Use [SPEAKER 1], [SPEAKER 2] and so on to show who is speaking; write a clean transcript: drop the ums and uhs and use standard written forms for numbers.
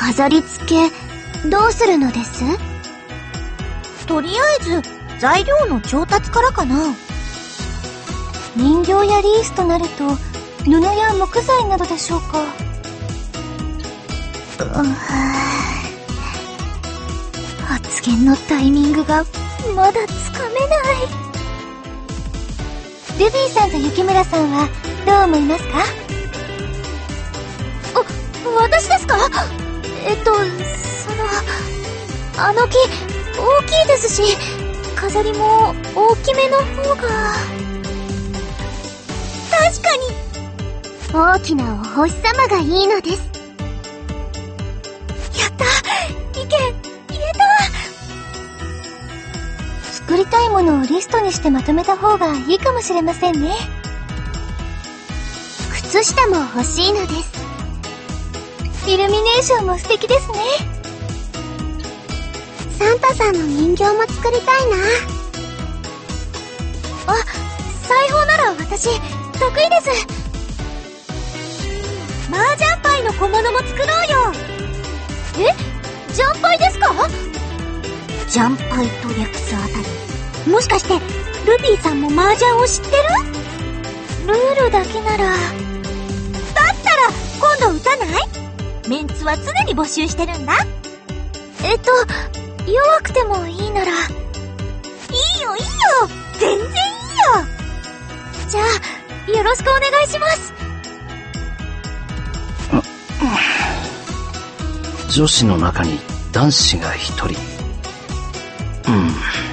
[SPEAKER 1] 飾り付け、どうするのです？
[SPEAKER 2] とりあえず、材料の調達からかな。
[SPEAKER 3] 人形やリースとなると、布や木材などでしょうか。
[SPEAKER 1] 発言のタイミングがまだつかめない。
[SPEAKER 3] ルビーさんと雪村さんはどう思いますか？
[SPEAKER 1] 私ですか？あの木、大きいですし、飾りも大きめの方が。
[SPEAKER 2] 確かに。
[SPEAKER 1] 大きなお星様がいいのです。
[SPEAKER 2] やった！意見、言えた！
[SPEAKER 3] 作りたいものをリストにしてまとめた方がいいかもしれませんね。
[SPEAKER 1] 靴下も欲しいのです。
[SPEAKER 3] イルミネーションも素敵ですね。
[SPEAKER 1] サンタさんの人形も作りたいな。
[SPEAKER 2] 裁縫なら私、得意です。麻雀牌の小物も作ろうよ。
[SPEAKER 1] ジャンパイですか？
[SPEAKER 2] ジャンパイと略すあたり。もしかして、ルビーさんも麻雀を知ってる？
[SPEAKER 3] ルールだけなら。
[SPEAKER 2] だったら、今度打たない？メンツは常に募集してるんだ。
[SPEAKER 3] 弱くてもいいなら。
[SPEAKER 2] いいよいいよ、全然いいよ。
[SPEAKER 3] じゃあ、よろしくお願いします。
[SPEAKER 4] 女子の中に男子が一人。